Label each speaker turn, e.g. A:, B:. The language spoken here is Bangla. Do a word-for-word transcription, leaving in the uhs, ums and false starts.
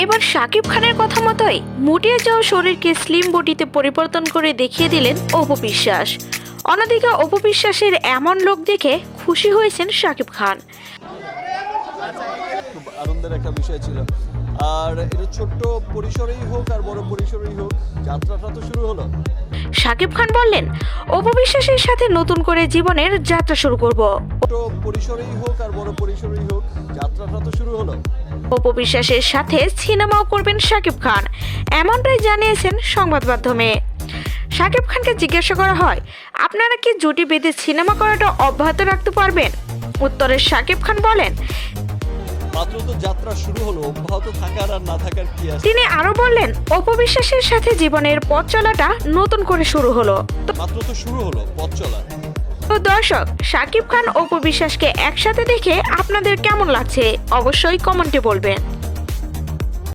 A: এবার শাকিব খানের কথা মতোই মুটিয়ে যাওয়া শরীরকে স্লিম বডিতে পরিবর্তন করে দেখিয়ে দিলেন অপু বিশ্বাস। অন্যদিকে অপু বিশ্বাসের এমন লোক দেখে খুশি হয়েছেন শাকিব খান।
B: খুব আনন্দের একটা বিষয় ছিল। আর এটা ছোট্ট পরিসরেই হোক আর বড় পরিসরেই হোক, যাত্রাটা তো শুরু হলো।
A: শাকিব খান বললেন, অপু বিশ্বাসের সাথে নতুন করে জীবনের যাত্রা শুরু করব।
B: ছোট পরিসরেই হোক আর বড় পরিসরেই হোক, যাত্রাটা তো শুরু হলো।
A: অপু বিশ্বাসের সাথে সিনেমাও করবেন শাকিব খান, এমনটাই জানিয়েছেন সংবাদ মাধ্যমে। শাকিব খানকে জিজ্ঞাসা করা হয়, আপনারা কি জুটি বেঁধে সিনেমা করাটা অব্যাহত রাখতে পারবেন? উত্তরে শাকিব খান বলেন,
B: মাত্র তো যাত্রা শুরু হলো, অব্যাহত থাকার আর না থাকার কি আছে।
A: তিনি আরো বললেন, অপু বিশ্বাসের সাথে জীবনের পথ চলাটা নতুন করে শুরু হলো।
B: মাত্র তো শুরু হলো পথ চলা।
A: তো দর্শক, শাকিব খান অপু বিশ্বাসকে একসাথে দেখে আপনাদের কেমন লাগছে অবশ্যই কমেন্টে বলবেন।